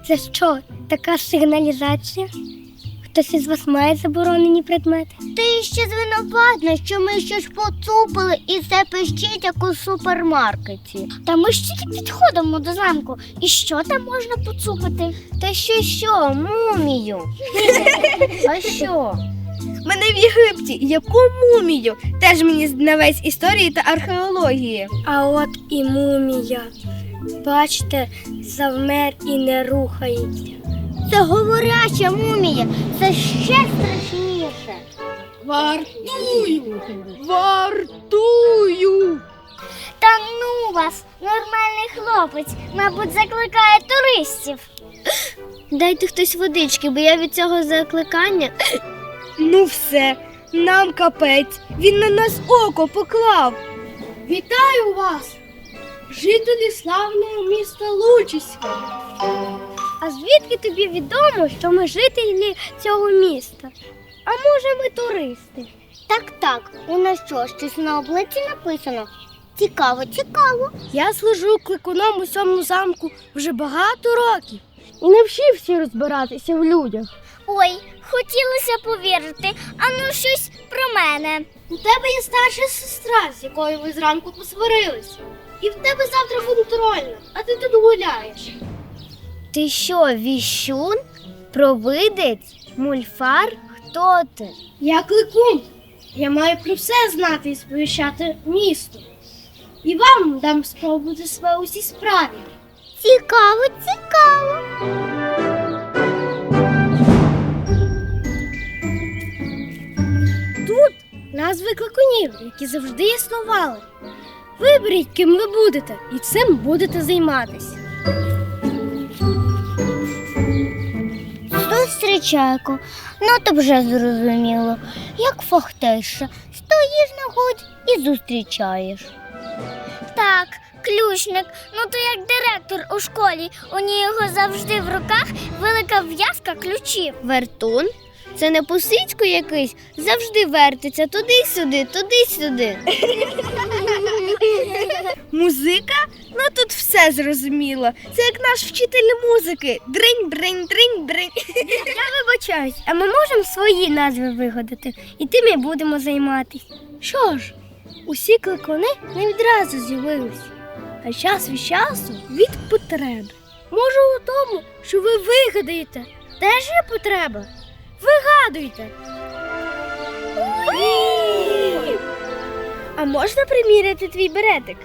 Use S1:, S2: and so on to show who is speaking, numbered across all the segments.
S1: Це що, така сигналізація? Хтось із вас має заборонені предмети?
S2: Ти ще звинуватна, що ми щось поцупили і це пищить, як у супермаркеті. Та ми ж тільки підходимо до замку. І що там можна поцупити? Та що, мумію. А що?
S3: Мене в Єгипті. Яку мумію? Теж мені знавець історії та археології.
S1: А от і мумія. Бачите, завмер і не рухається.
S2: Це говоряча мумія. Це ще страшніше.
S3: Вартую! Вартую!
S2: Та ну вас, нормальний хлопець, мабуть, закликає туристів. Дайте хтось водички, бо я від цього закликання.
S3: Ну все, нам капець. Він на нас око поклав. Вітаю вас, жителі славного міста Лучиська.
S1: А звідки тобі відомо, що ми жителі цього міста? А може, ми туристи?
S2: Так, у нас що, щось на обличчі написано? Цікаво.
S1: Я служу кликуном у цьому замку вже багато років і не вчився розбиратися в людях.
S2: Ой, хотілося повірити, а ну щось про мене.
S1: У тебе є старша сестра, з якою ви зранку посварилися. І в тебе завтра контрольна, а ти тут гуляєш.
S2: Ти що, віщун? Провидець? Мульфар? Хто ти?
S1: Я кликун. Я маю про все знати і сповіщати місто. І вам дам спробувати себе у цій справі.
S2: Цікаво.
S1: Тут назви кликунів, які завжди існували. Виберіть, ким ви будете, і цим будете займатися.
S2: Зустрічайко, ну то вже зрозуміло. Як фахтеша, стоїш на ході і зустрічаєш. Так, ключник, ну то як директор у школі, у нього завжди в руках велика в'язка ключів. Вертун? Це не Пусицько якийсь, завжди вертиться туди-сюди.
S3: Музика? Ну тут все зрозуміло. Це як наш вчитель музики. Дринь, дринь, дринь, дринь.
S1: Я вибачаюсь, а ми можемо свої назви вигадати, і тим і будемо займатися. Що ж, усі кликуни не відразу з'явилися, а час від часу від потреби. Може у тому, що ви вигадаєте, теж є потреба? Вигадуйте!
S3: А можна приміряти твій беретик?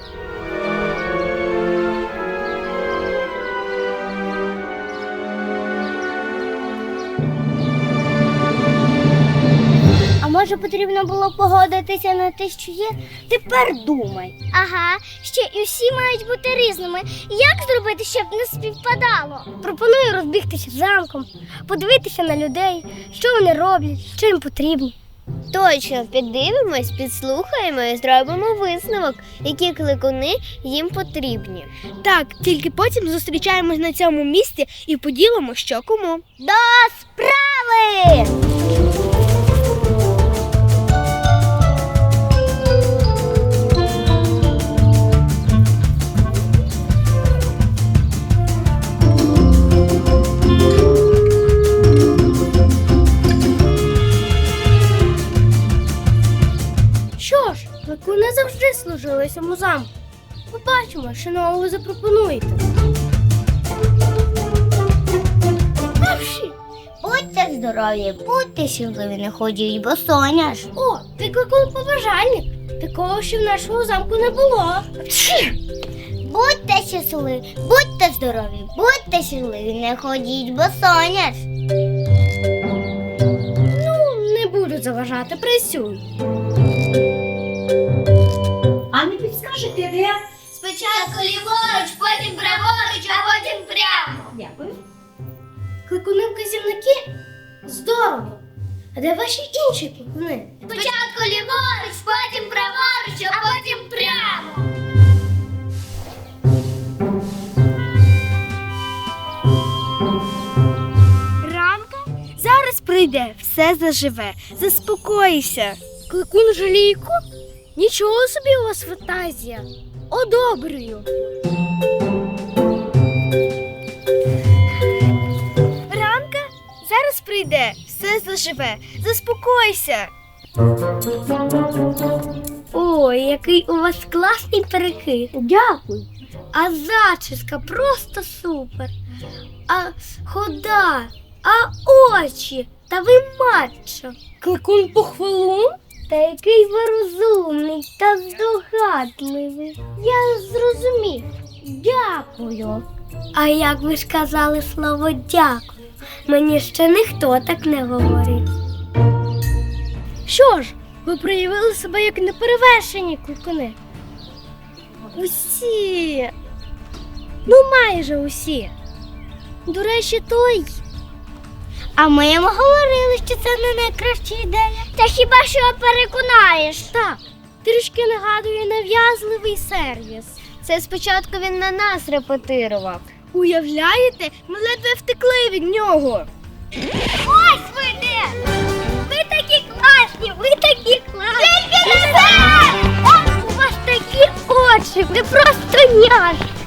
S2: А може потрібно було погодитися на те, що є? Тепер думай. Ага, ще і всі мають бути різними. Як зробити, щоб не співпадало?
S1: Пропоную розбігтися замком, подивитися на людей, що вони роблять, що їм потрібно.
S2: Точно, піддивимось, підслухаємо і зробимо висновок, які кликуни їм потрібні.
S3: Так, тільки потім зустрічаємось на цьому місці і поділимо, що кому.
S2: До справи!
S1: Що ж, кликуни завжди служили цьому замку. Побачимо, що нового ви запропонуєте. Перші.
S2: Будьте здорові, будьте щасливі, не ходіть, бо соняш.
S1: О, ти кликун-побажальник. Такого ще в нашому замку не було.
S2: Будьте щасливі, будьте здорові, будьте щасливі, не ходіть, бо соняш.
S1: Ну, не буду заважати, працюй.
S4: А не підскажете, де?
S2: Спочатку ліворуч, потім праворуч, а потім прямо.
S4: Дякую.
S1: Кликуни-вказівники? Здорово. А де ваші інші кликуни?
S2: Спочатку ліворуч, потім праворуч, а потім прямо.
S3: Рамка? Зараз прийде, все заживе. Заспокойся.
S1: Кликун жалійку? Нічого собі у вас фантазія. Одобрюю.
S3: пройде, все заживе. Заспокойся.
S1: Ой, який у вас класний перекид. Дякую. А зачіска просто супер. А хода, а очі. Та ви матчо. Кликун похвалун? Та який ви розумний та здогадливий. Я зрозумів. Дякую. А як ви ж казали слово дякую? Мені ще ніхто так не говорив. Що ж, ви проявили себе як неперевершені кликуни. Усі. Ну, майже усі. До речі, той.
S2: А ми йому говорили, що це не найкраща ідея. Та хіба що переконаєш?
S1: Так, трішки нагадує нав'язливий сервіс.
S2: Це спочатку він на нас репетирував.
S3: Уявляєте, ми ледве втекли від нього.
S2: Ось ви де! Ви такі класні, ви такі класні!
S1: У вас такі очі, ви просто няшки.